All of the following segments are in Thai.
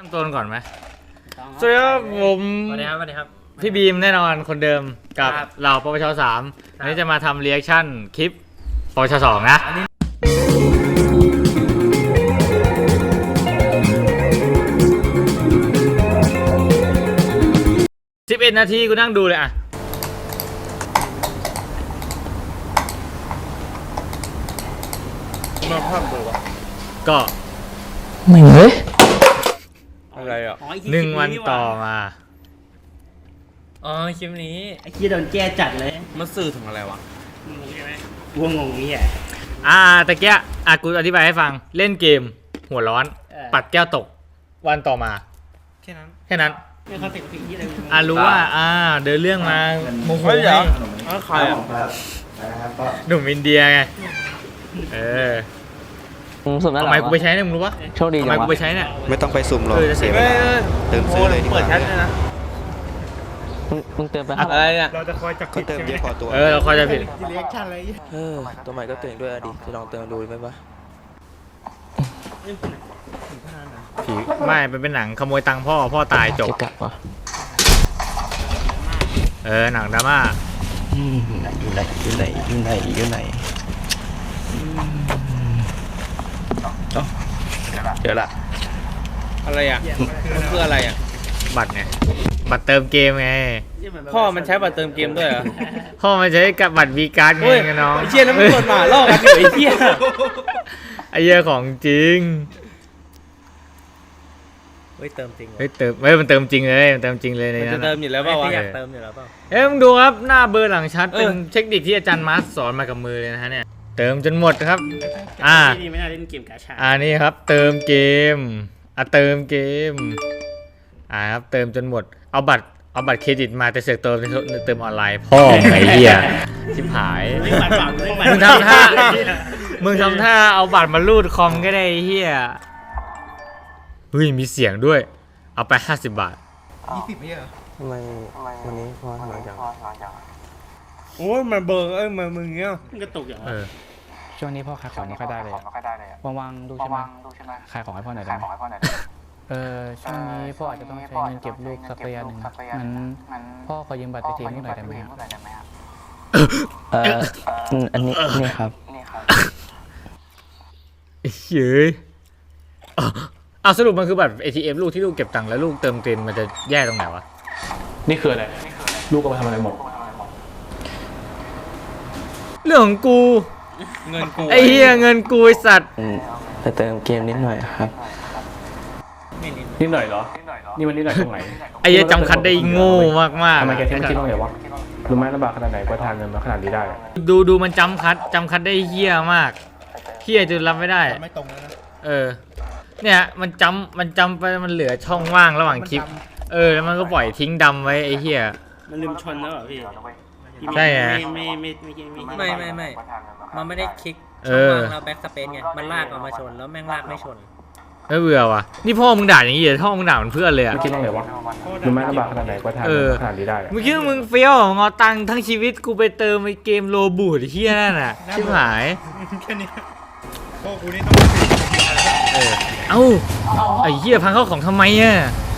ต้นก่อนไหมสวัสดีครับผมสวัสดีครับพี่บีมแน่นอนคนเดิมกับเหล่าปปช3อันนี้จะมาทำเรีแอคชั่นคลิปปปช2นะ11 นาทีกูนั่งดูเลยอ่ะมาภาพดูวะก็ไม่เฮ้ยอะไรอ่ะ 1 วันต่อมาอ๋อคลิปนี้ไอ้ที่โดนแก้จัดเลยมันสื่อถึงอะไรวะงงใช่ไหมวัวงงนี่อ่ะตะเกียกูอธิบายให้ฟังเล่นเกมหัวร้อนปัดแก้วตกวันต่อมาแค่นั้นไม่เขาติดสิ่งที่อะไรรู้ว่าเดินเรื่องมาโมโหเฮ้ยให้ใครอ่ะหนุ่มอินเดียไงสุ่มได้หรทำอไมกูไปใช้เนี่ยมึงรู้ปะโชคดีทำจัไมงกูวะไปใช้เนี่ยไม่ต้องไปสุ่มหรอกจะเสีเสียยเวเวลาลาเติมซื้อเลยดีกเปิดว่าแชทเลยนะมึงเติมไปอะไรเนี่ยเราจะคอยจับก็เติมเยอะพอตัวเราคอยจะผิดเรียกชันอะไรตัวใหม่ก็เติมด้วยดิจะลองเติมดูไหมวะผีไม่เป็นหนังขโมยตังค์พ่อตายจบจะกลับวะหนังดราม่าอยู่ไหนเดี๋ยวละอะไรอ่ะมันคืออะไรอ่ะบัตรไงบัตรเติมเกมไงพ่อมันใช้บัตรเติมเกมด้วยเหรอพ่อมันใช้กับบัตรวีการ์ดไงเฮ้ยกันน้องไอ้เชี่ยแล้วมันกดหมาล่อกันอยู่ไอ้เชี่ยไอ้เหี้ยของจริงเฮ้ยเติมจริงมันเติมจริงเลยมันเติมจริงเลยในมันนั้จะนเติอะมอยู่แล้วเปล่าวะอยากเติมอยู่แล้วเปล่ามึงดูครับหน้าเบอร์หลังชัดเป็นเออเทคนิคที่อาจารย์มาร์สสอนมากับมือเลยนะฮะเนี่ยเติมจนหมดครับนี่ไม่น่าเล่นเกมกาชานี่ครับเติมเกมเติมเกมครับเติมจนหมดเอาบัตรเครดิตมาแต่เสือกเติมออนไลน์พ่อไอ้เหี้ยชิบหายมึงทำท่าเอาบัตรมาลูดคอมก็ได้ไอ้เหี้ยเฮ้ยมีเสียงด้วยเอาไป50 บาททำไมวันนี้พ่อทำไมจังโอ้ยมันเบอร์มันมึงเงี้ยมันก็ตกอย่างช่วงนี้พ่อขายของไม่ค่อยได้เลยว่างๆดูใช่ไหมขายของให้พ่อหน่อยได้ไหมช่วงนี้พ่ออาจจะต้องใช้เงินเก็บลูกสักระยะหนึ่งงั้นพ่อขอยืมบัตรไปทีมลูกหน่อยได้ไหมครับอันนี้นี่ครับเฮ้ยสรุปมันคือบัตร ATM ลูกที่ลูกเก็บตังค์แล้วลูกเติมเต็มมันจะแย่ตรงไหนวะนี่คืออะไรลูกก็ไปทำอะไรหมดเรื่องของกูเงินกูไอ้เหี้ยเงินกูไอ้สัตว์ไปเติมเกมนิดหน่อยครับนิดหน่อยเหรอนี่มันนิดหน่อยตรงไหนไอ้เหี้ยจำคัดได้โง่มากทำไมๆแกถึงไม่คิดบ้างเลยวะรู้ไหมลำบากขนาดไหนกว่าทานเงินมาขนาดนี้ได้ดูมันจำคัดได้เหี้ยมากเหี้ยจนรับไม่ได้ไม่ตรงแล้วนะเนี่ยมันจำไปมันเหลือช่องว่างระหว่างคลิปแล้วมันก็ปล่อยทิ้งดำไว้ไอ้เหี้ยมันลืมชนแล้วเหรอพี่ใช่ไงไม่มันไม่ได้คลิกเอช่องอว่างเราแบ็กสเปซไงมันลากออกมาชนแล้วแม่งลากไม่ชนไม่เบื่อว่ะนี่พ่อมึงด่าอย่างงี้เหรอพ่อมึงด่าเหมือนเพื่อนเลยอะไม่คิดบ้างเลยวะรู้ไหมลำบากขนาดไหนกว่าทานเงินมาขนาดนี้ได้มึงคิดว่ามึงเฟี้ยวเหรองอตังค์ทั้งชีวิตกูไปเติมไอ้เกมโลบูดเฮี้ยนั่นน่ะชิบหายแค่นี้พ่อกูนี่ต้องเอ้าไอ้เฮี้ยพังเข้าของทำไมอ่ะ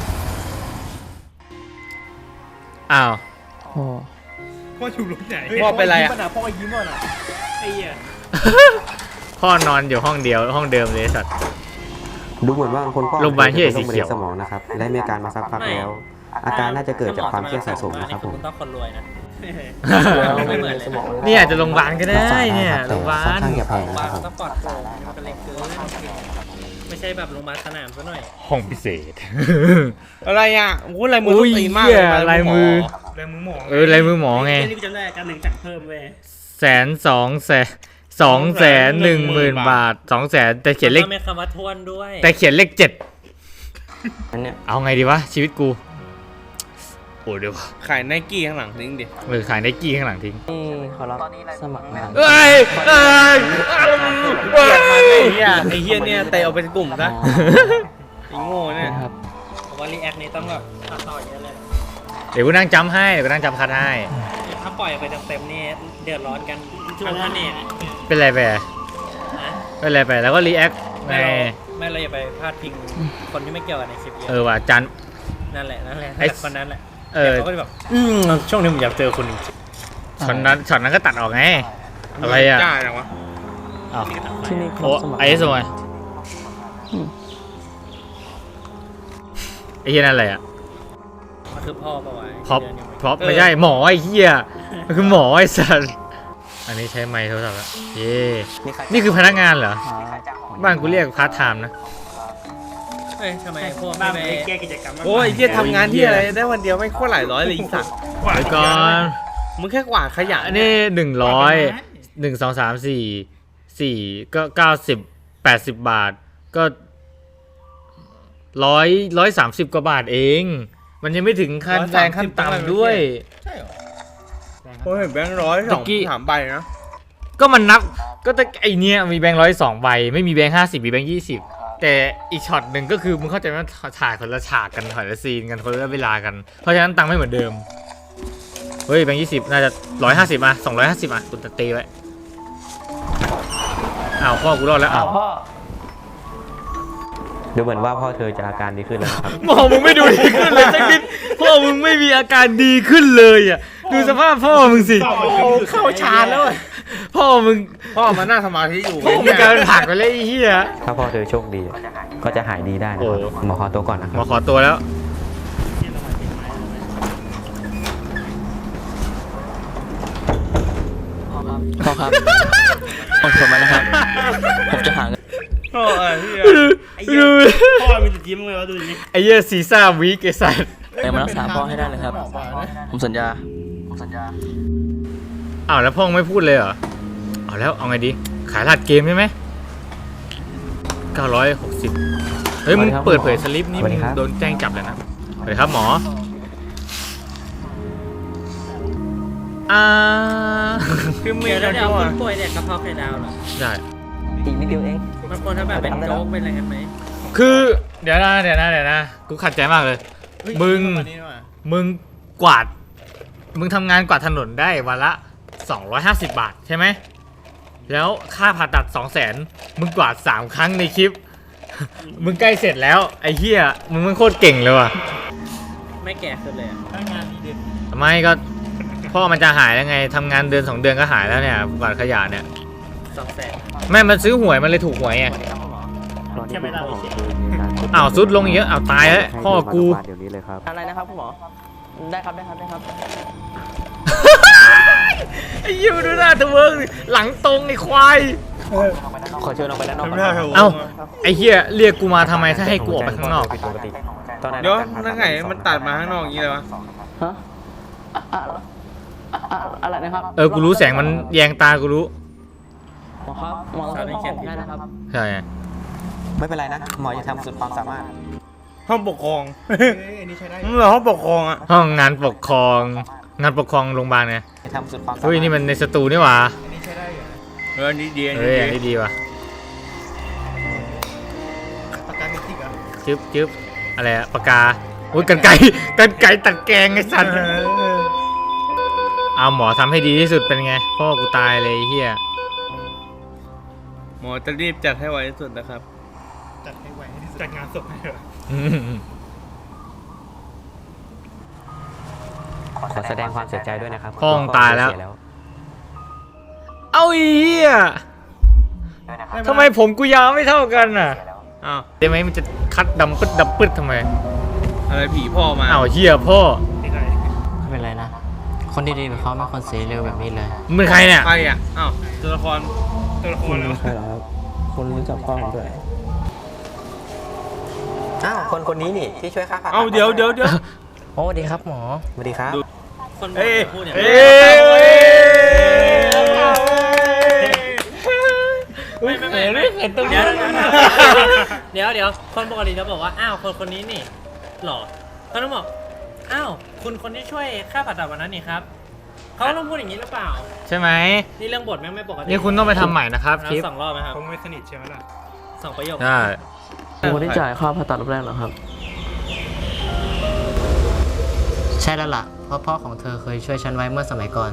อ้าวพ่ออยู่รถไหนพ่อเป็นไรอ่ะพ่อยิ้มอ่ะไอ้เหี้ยพ่อนอนอยู่ห้องเดียวห้องเดิมเลยสัตว์ดูเหมือนว่าคนพ่อโรงพยาบาลที่ไหนสีเขียวสมองนะครับและมีอาการมาสักพักแล้ว อาการน่าจะเกิดจากความเครียดสะสมนะครับผมคุณต้องคนรวยนะไม่เหมือนสมองนี่อาจจะโรงพยาบาลก็ได้เนี่ยโรงพยาบาค่อนลข้างจะแพงบ้านะครับนผมต้องปลอดโปร่งมันเป็นเล็กเกินไม่ใช่แบบโรงพยาบาลสนามซะหน่อยห้องพิเศษอะไรอ่ะโอ้ยลายมืออุ้ต้ยองตีมากเหี้ยเลยลายมือเลยมึงหมอลายมือหมอไงนี่กูจำได้การหนึ่งสั่งเพิ่มเว้ย 210,000 บาท200,000แต่เขียนเลขต้องมีคำว่าทวนด้วยแต่เขียนเลข7 อันเนี้ยเอาไงดีวะชีวิตกูโอ้เดี๋ยวขายไนกี้ข้างหลังทิ้งดิขายไนกี้ข้างหลังทิ้งเขารับสมัครงานเอ้ยไอ้เหี้ยเนี่ยเตะเอาเป็นกลุ่มซะไอ้โง่เนี่ยครับผมว่ารีแอคนี้ต้องแบบตัดต่อเยอะเลยเดี๋ยวกูนั่งจำให้เดี๋ยวกูนั่งจำคัดให้ถ้าปล่อยไปเต็มๆนี่เดือดร้อนกันทั้งคะแนนเป็นไรไปนะเป็นไรไปแล้วก็รีแอคไงไไม่เราอย่าไปพลาดพิงคนที่ไม่เกี่ยวกันในคลิปเยเออะอว่ะจันนั่นแหละไอ้คนนั้นแหละเออเขาก็จะแบบช่วงนี้ผมอยากเจอคนจริงช็อตนั้นก็ตัดออกไงอะไรอ่ะจ้าจังวะอ้าวที่นี่โอ้ไอ้สมัยไอ้เหี้ยนั่นอะไรอ่ะๆมันคือพ่อปะวะพร็อพเดือนยังไม่พร็อพไม่ใช่หมอไอ้เหี้ยมันคือหมอไอ้สัสอันนี้ใช้ไมค์โทรศัพท์แล้วเย่นี่คือพนักงานเหรอบ้านกูเรียกพาร์ทไทม์นะเฮ้ยทำไมพวกบ้าไม่นไปไปแก้กิจกรรมโอ้ยเหี้ยทำงานที่อะไรได้วันเดียวไม่โคตรหลายร้อยเลยอีสัตว์เดี๋ยวก่อนมึงแค่กวาดขยะอันนี้100 1 2 3 4ก็90 80 บาทก็130 กว่าบาทเอง มันยังไม่ถึงขั้นแรงขั้นต่ำด้วยโอ้ยแบงค์ร้อยสองตะกี้ 3 ใบนะก็มันนับก็แต่ไอเนี้ยมีแบงค์102 ใบ ไม่มีแบงค์50 มีแบงค์20 แต่อีกช็อตหนึ่งก็คือมึงเข้าใจว่าถ่ายคนละฉากกันคนละซีนกันคนละเวลากัน เพราะฉะนั้นตังค์ไม่เหมือนเดิม เฮ้ยแบงค์20 น่าจะ150อ่ะ250อ่ะคุณตะตีไว้อ้าวพ่อกูรอดแล้วอ้าวพ่อดูเหมือนว่าพ่อเธอจะอาการดีขึ้นแล้วนะครับหมอมึงไม่ดูดีขึ้นเลยสักนิดพ่อมึงไม่มีอาการดีขึ้นเลยอ่ะดูสภาพพ่อมึงสิเข้าชานแล้วพ่อมึงพ่อมานั่งสมาธิอยู่พ่อมึงกลายเป็นผักไปเลยไอ้เหี้ยถ้าพ่อเธอโชคดี ก็จะหายดีได้นะครับโอ้หมอขอตัวก่อนนะคหมรัอบ ขอตัวแล้วพ่อครับอดทนมานะครับ ผมจะหาเงินโอ้ยเหี้ยไอ้เหี้ยพ่อมีแต่ยิ้มเลยวะดูดิไอ้เหี้ยซีซ่าวีกไอ้สัสแต่มารักษาพ่อให้ได้เลยครับ ผมสัญญาอ้าวแล้วพ่อไม่พูดเลยเหรอเอาแล้วเอาไงดีขายรหัสเกมใช่ไหม960เฮ้ยมึงเปิดเผยสลิปนี่มึงโดนแจ้งจับเลยนะสวัสดีครับหมอคือเมียแล้วเนี่ยคนป่วยเนี่ยกระเพาะไข่ดาวเหรอได้อีกนิดเดียวเองมันควรถ้าแบบเป็นโจ๊กเป็นอะไรกันไหมคือเดี๋ยวนะกูขัดใจมากเลย มึงกวาดมึงทำงานกวาดถนนได้วันละ250 บาทใช่ไหมแล้วค่าผ่าตัด 200,000มึงกวาด3 ครั้งในคลิป มึงใกล้เสร็จแล้วไอ้เหี้ยมึงโคตรเก่งเลยว่ะไม่แก่ขึ้นเลยอะทำไมก็พ่อมันจะหายแล้วไงทำงานเดือน2 เดือนก็หายแล้วเนี่ยกวาดขยะเนี่ย 200,000 แม่มันซื้อหวยมันเลยถูกหวยไงแค่ไม่เล่าเฉยอ้าวซุดลงเยอะอ้าวตายแล้วพ่อกูเดี๋ยวนี้เลยครับอะไรนะครับคุณหมอ ได้ครับ ได้ครับไอ้เหี้ยมันดูหน้าตะเวิร์กดิหลังตรงไอ้ควายขอเชิญออกไปด้านนอกทำหน้าเถอะเอ้าไอ้เหี้ยเรียกกูมาทำไมถ้าให้กูออกไปข้างนอกเดี๋ยวนั่นไงมันตัดมาข้างนอกอย่างนี้เลยวะฮะอะไรนะครับกูรู้แสงมันแยงตากูรู้หมอครับ หมอต้องให้ผมได้นะครับใช่ไงไม่เป็นไรนะ หมอจะทำสุดความสามารถห้องปกครองมึงเหรอห้องปกครองอ่ะห้องงานปกครองโรงพยาบาลไงจะทำสุดความสามารถเฮ้ยนี่มันในสตูนี่หว่าอันนี้ดีเฮ้ยอันนี้ดีว่ะปากกาเมจิกเหรอจึ๊บอะไรอะปากกาโอ้ยกันไก่ตัดแกงไอ้สัตว์เอาหมอทำให้ดีที่สุดเป็นไงพ่อกูตายเลยไอ้เฮียหมอจะรีบจัดให้ไวที่สุดนะครับจัดให้ไวจัดงานศพให้เหรอขอแสดงความเสียใจด้วยนะครับพ่อมึงตายแล้วเสีเอาไอ้เฮียทำไมผมกูยาวไม่เท่ากันอ่ะอ้าวได้ไหมมันจะคัดดำปึ๊ดทำไมอะไรผีพ่อมาอ้าวเฮียพ่อไม่ได้ไม่เป็นไรนะ คนดีๆแบบเขาไม่ควรเสียเร็วแบบนี้เลยมึงเป็นใครเนี่ยใครอ่ะ อ้าว ตัวละครตัวละครแล้วใช่แล้วครับคุณรู้จักพ่อผมด้วยอ้าว คนนี้นี่ที่ช่วยค่าผ่าตัดเอ้าเดี๋ยวโอ้ดีครับหมอสวัสดีครับคนบอกจะพูดอย่างเอ้นี้ยไม่เห็นตรงนี้เดี๋ยวคนปกติจะบอกว่าอ้าวคนนี้นี่หรอเขาต้องบอกอ้าวคุณคนที่ช่วยค่าผ่าตัดวันนั้นนี่ครับเขาต้องพูดอย่างนี้หรือเปล่าใช่ไหมนี่เรื่องบทแม่งไม่ปกตินี่คุณต้องไปทำใหม่นะครับคลิป 2 รอบไหมครับคงไม่สนิทใช่ไหมล่ะ 2 ประโยคใช่คุณได้จ่ายค่าผ่าตัดรอบแรกเหรอครับใช่แล้วล่ะ เพราะพ่อของเธอเคยช่วยฉันไว้เมื่อสมัยก่อน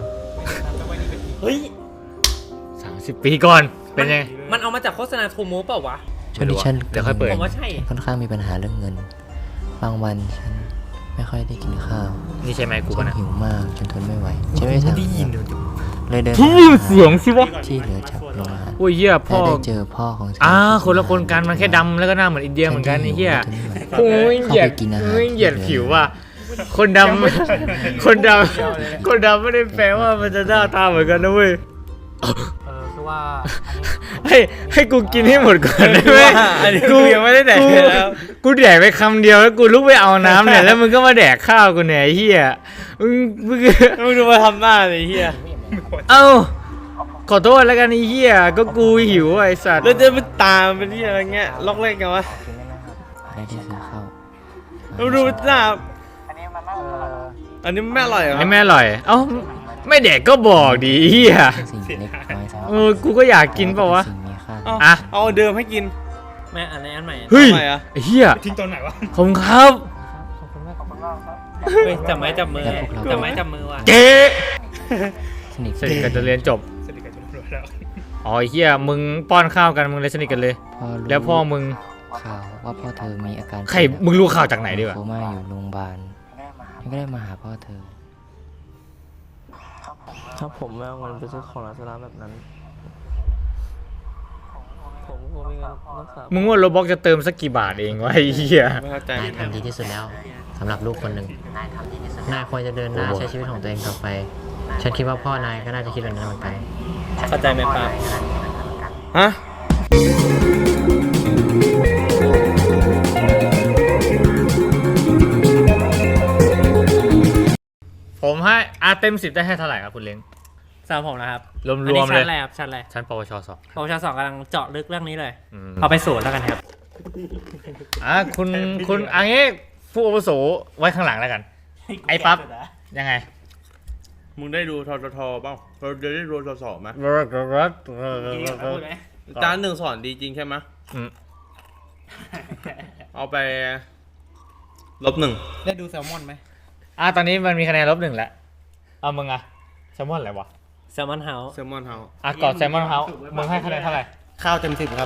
เฮ้ย 30 ปีก่อนเป็นยังไงมันเอามาจากโฆษณาทูมูเปล่าวะช่วงนี้ฉันเดี๋ยวค่อยเปิดผมว่าใช่ค่อนข้างมีปัญหาเรื่องเงิน บางวันฉันไม่ค่อยได้กินข้าวนี่ใช่ไหมกูฉัปะนนะหิวมากจนทนไม่ไหวฉันไม่ทางเลยเดินเสียงสิวะที่เหลือจากโรงอาหารโอ้ยเหี้ยพ่อและได้เจอพ่อของฉันคนละคนกันมันแค่ดำแล้วก็หน้าเหมือนอินเดียเหมือนกันไอ้เหี้ยโอ้ยเหยียดเหยียดผิวว่ะคนดำคนดำคนดำไม่ได้แปลว่ามันจะหน้าตาเหมือนกันนะเว้ยคือว่าให้กูกินให้หมดก่อนได้ไหมอันนี้กูยังไม่ได้แดกเลยแล้วกูแดกไปคำเดียวแล้วกูลุกไปเอาน้ำเนี่ยแล้วมึงก็มาแดกข้าวกูเนี่ยไอ้เหี้ยมึงมึงดูมาทำหน้าเลยไอ้เฮียเอ้าขอโทษแล้วกันไอ้เหี้ยก็กูหิวไอ้สัตว์แล้วจะไปตามเป็นที่อะไรเงี้ยล็อกเล่นกันวะได้ที่ซื้อข้าวมึงดูหน้าอันนี้ไม่อร่อยเหรอนี่แม่อร่อยเอ้าไม่แดกก็บอกดิไอ้เหี้ยสิ่งเล็กน้อยสำหรับกูก็อยากกินเปล่าวะสิ่งมีค่าเอาอ่ะเอาเดิมให้กินแม่อันนี้อันใหม่เฮ้ยทำไมอะไอ้เหี้ยทิ้งตอนไหนวะขอบคุณครับเฮ้ยจับไม้จับมือจับไม้จับมือว่ะเจ๊สนิทสนิทกันจนเรียนจบสนิทกับตำรวจแล้วอ๋อไอ้เหี้ยมึงป้อนข้าวกันมึงเลยสนิทกันเลยพอรู้แล้วพ่อมึงข่าวว่าพ่อเธอมีอาการใครมึงรู้ข่าวจากไหนดีวะโคม่าอยู่โรงพยาบาลฉันก็ได้มาหาพ่อเธอถ้าผมไม่เอาเงินไปซื้อของร้านสลาแบบนั้น ผมคงมีเงินรักษามึงว่าโรบ็อกจะเติมสักกี่บาทเองวะไอ้เหี้ยไม่เข้าใจนายทำดีที่สุดแล้วสำหรับลูกคนหนึ่งนายควรจะเดินหน้าใช้ชีวิตของตัวเองต่อไป ฉันคิดว่าพ่อนายก็น่าจะคิดแบบนั้นเหมือนกันเข้าใจไหมป้าฮะผมให้เต็ม10ได้ให้เท่าไหร่ครับคุณเล้งสำหรับผมนะครับรวมๆอันนี้เลยชั้นอะไรครับชั้นอะไรชั้นปวชสองปวช2กำลังเจาะลึกเรื่องนี้เลยอืมเอาไปสูตรแล้วกันครับคุณอันนี้ผู้อาวุโสไว้ข้างหลังแล้วกัน ไอ้ปั๊บยังไงมึงได้ดูททบ้างเราได้ดูทศไหมจานหนึ่งสอนดีจริงใช่ไหมอืมเอาไป-1 ได้ดูแซลมอนไหมตอนนี้มันมีคะแนนลบ1แล้วเอามึงอะแซลมอนอะไรวะแซลมอนเฮาส์เซลมอนเฮาส์กอดแซลมอนเฮาส์มึงให้คะแนนเท่าไหร่ข้าวเต็ม10ครับ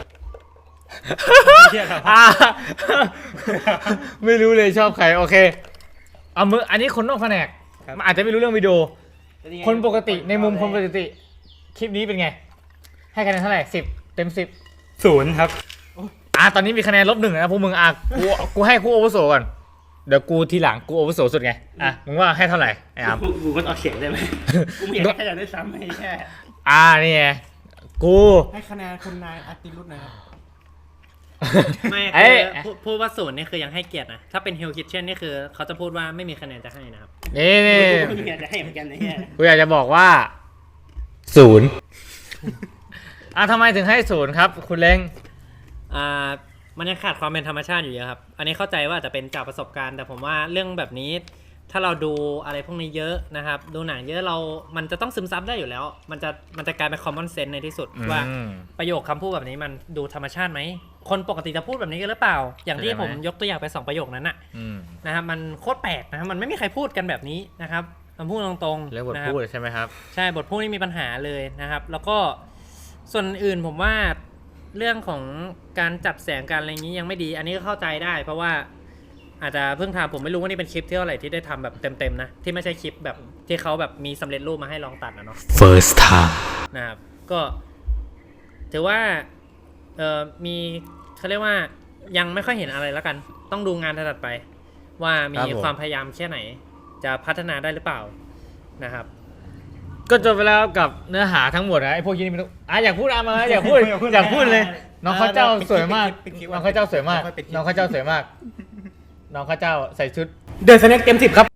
ไม่รู้เลยชอบใครโอเคเอามึงอันนี้คนนอกแผนกมันอาจจะไม่รู้เรื่องวิดีโอ คนปกติในมุมคนปกติคลิปนี้เป็นไง ให้คะแนนเท่าไหร่10 เต็ม 10 0ครับตอนนี้มีคะแนน-1นะพวกมึงกูให้คู่อาวุโสก่อนเดี๋ยวกูทีหลังกูอาวุโสสุดไงมึงว่าให้เท่าไหร่ไอ้อาร์มกูก็เอาเขียนได้ไหมกูไม่อยากให้ได้ซ้ำให้แค่นี่ไงกูให้คะแนนคุณนายอาติรุตนะครับไม่เอ้คือย พูดว่าศูนย์นี่คือยังให้เกียรตินะ ถ้าเป็นฮิลคิทเช่นนี่คือเขาจะพูดว่าไม่มีคะแนนจะให้นะครับนี่กูอยากจะให้เหมือนกันนะเนี่ยกูอยากจะบอกว่า0ทำไมถึงให้0ครับ คุณเล้งมันยังขาดความเป็นธรรมชาติอยู่เยอะครับ อันนี้เข้าใจว่าจะเป็นจากประสบการณ์ แต่ผมว่าเรื่องแบบนี้ ถ้าเราดูอะไรพวกนี้เยอะนะครับ ดูหนังเยอะมันจะต้องซึมซับได้อยู่แล้ว มันจะกลายเป็น common sense ในที่สุดว่าประโยคคำพูดแบบนี้มันดูธรรมชาติไหม คนปกติจะพูดแบบนี้กันหรือเปล่า อย่างที่ผมยกตัวอย่างไป2ประโยคนั้นนะครับมันโคตรแปลกนะครับมันไม่มีใครพูดกันแบบนี้นะครับมันพูดตรงๆเรื่องบทนะครับพูดใช่ไหมครับใช่บทพูดนี่มีปัญหาเลยนะครับ แล้วก็ส่วนอื่นผมว่าเรื่องของการจัดแสงการอะไรอย่างนี้ยังไม่ดี อันนี้ก็เข้าใจได้ เพราะว่าอาจจะเพิ่งทำผมไม่รู้ว่านี่เป็นคลิปที่เท่าไหร่ที่ได้ทำแบบเต็มๆนะที่ไม่ใช่คลิปแบบที่เขาแบบมีสำเร็จรูปมาให้ลองตัดนะเนาะ first time นะครับก็ถือว่ามีเขาเรียกว่ายังไม่ค่อยเห็นอะไรแล้วกัน ต้องดูงานถัดไป ว่ามีครับผมความพยายามแค่ไหน จะพัฒนาได้หรือเปล่านะครับก็จบไปแล้วกับเนื้อหาทั้งหมดนะไอ้พวกนี้ไม่ต้องอยากพูดมาอยากพูดอยากพูดเลย น้องข้าวเจ้าสวยมากน้องข้าวเจ้าสวยมากน้องข้าวเจ้าสวยมากน้องข้าวเจ้าใส่ชุดเดินสแน็คเต็ม10ครับ